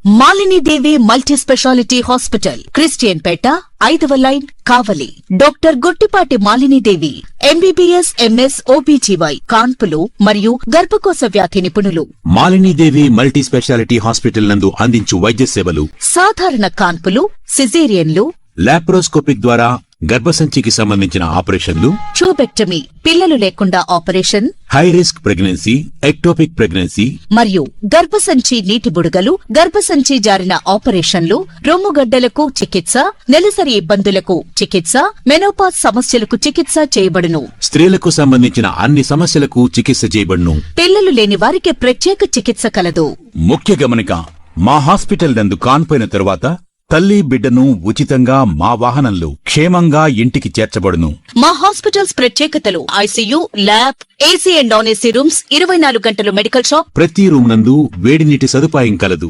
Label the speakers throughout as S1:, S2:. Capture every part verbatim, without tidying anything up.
S1: Malini Devi multi speciality hospital, Christian Peta, ఐదవ line, Kavali. Doctor Guttipati Malinidevi, MBBS, MS, OBGY, కాన్పులు మరియు గర్భకోశ వ్యాధి నిపుణులు.
S2: మాలినీదేవి మల్టీ స్పెషాలిటీ హాస్పిటల్ నందు అందించు వైద్య సేవలు:
S1: సాధారణ కాన్పులు, సిజేరియన్లు,
S2: లాప్రోస్కోపిక్ ద్వారా గర్భసంచికి సంబంధించిన ఆపరేషన్లు,
S1: ట్యూబెక్టమీ, పిల్లలు లేకుండా operation,
S2: high risk pregnancy, ectopic pregnancy
S1: మరియు గర్భసంచి నీటి బుడగలు, గర్భసంచి జారిన ఆపరేషన్లు, రొమ్ముగడ్డలకు చికిత్స, నెలసరి ఇబ్బందులకు చికిత్స, మెనోపాజ్ సమస్యలకు చికిత్స చేయబడును.
S2: స్త్రీలకు సంబంధించిన అన్ని సమస్యలకు చికిత్స చేయబడును.
S1: పిల్లలు లేని వారికి ప్రత్యేక చికిత్స కలదు.
S2: ముఖ్య గమనిక: మా హాస్పిటల్ నందు కాన్పోయిన తరువాత తల్లి బిడ్డను ఉచితంగా మా వాహనంలో క్షేమంగా ఇంటికి చేర్చబడును.
S1: మా హాస్పిటల్స్ ప్రత్యేకతలు: ICU, lab, AC and non AC rooms, ఇరవై నాలుగు గంటలు మెడికల్ షాప్,
S2: ప్రతి రూమ్ నందు వేడి నీటి సదుపాయం కలదు.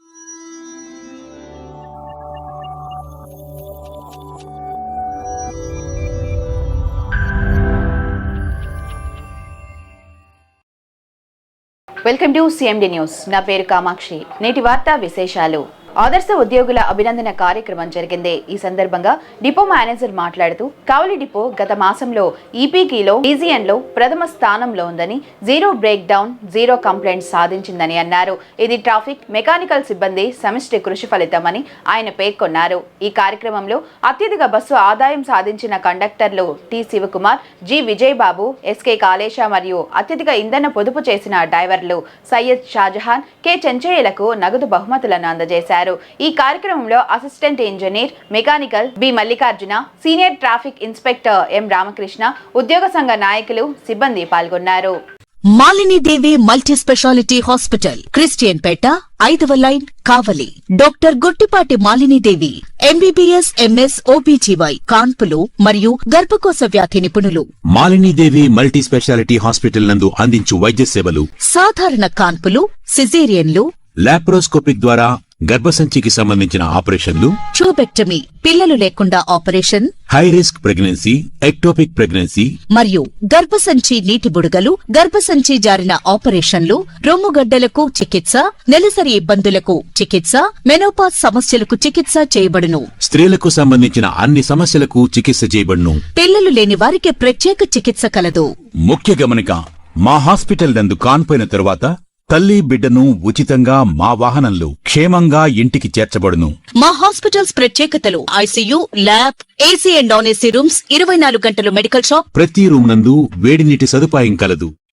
S3: Welcome to CMD news. నా పేరు కామాక్షి. నేటి వార్తా విశేషాలు: ఆదర్శ ఉద్యోగుల అభినందన కార్యక్రమం జరిగింది. ఈ సందర్భంగా డిపో మేనేజర్ మాట్లాడుతూ, కావలి డిపో గత మాసంలో ఈపీకీలో రీజియన్ లో ప్రథమ స్థానంలో ఉందని, zero break down, zero complaints సాధించిందని అన్నారు. ఇది ట్రాఫిక్, మెకానికల్ సిబ్బంది సమిష్టి కృషి ఫలితమని ఆయన పేర్కొన్నారు. ఈ కార్యక్రమంలో అత్యధిక బస్సు ఆదాయం సాధించిన కండక్టర్లు T Sivakumar, G Vijayababu, SK Kalesa మరియు అత్యధిక ఇంధన పొదుపు చేసిన డ్రైవర్లు సయ్యద్ షాజహాన్, కె చెంచయ్యలకు నగదు బహుమతులను అందజేశారు. ఈ కార్యక్రమంలో assistant engineer mechanical B Mallikarjuna, senior traffic inspector M Ramakrishna, ఉద్యోగ సంఘ నాయకులు, సిబ్బంది పాల్గొన్నారు.
S1: Malinidevi multi speciality hospital, Christian Peta, ఐదవ line, Kavali. Doctor Guttipati Malinidevi, MBBS, MS, OBGY, కాన్పులు మరియు గర్భకోశ వ్యాధి నిపుణులు.
S2: మాలినీదేవి మల్టీ స్పెషాలిటీ హాస్పిటల్ నందు అందించు వైద్య సేవలు:
S1: సాధారణ కాన్పులు, సిజేరియన్లు,
S2: లాప్రోస్కోపిక్ ద్వారా గర్భసంచికి సంబంధించిన ఆపరేషన్లు,
S1: ట్యూబెక్టమీ, పిల్లలు లేకుండా operation,
S2: high risk pregnancy, ectopic pregnancy
S1: మరియు గర్భసంచి నీటి బుడగలు, గర్భసంచి జారిన ఆపరేషన్లు, రొమ్ముగడ్డలకు చికిత్స, నెలసరి ఇబ్బందులకు చికిత్స, మెనోపాజ్ సమస్యలకు చికిత్స చేయబడును.
S2: స్త్రీలకు సంబంధించిన అన్ని సమస్యలకు చికిత్స చేయబడును.
S1: పిల్లలు లేని వారికి ప్రత్యేక చికిత్స కలదు.
S2: ముఖ్య గమనిక: మా హాస్పిటల్ నందు కాన్పోయిన తరువాత తల్లి బిడ్డను ఉచితంగా మా వాహనంలో క్షేమంగా ఇంటికి చేర్చబడును.
S1: మా హాస్పిటల్స్ ప్రత్యేకతలు: ICU, lab, AC and non AC rooms, ఇరవై నాలుగు గంటలు మెడికల్ షాప్,
S2: ప్రతి రూమ్ నందు వేడి నీటి సదుపాయం కలదు.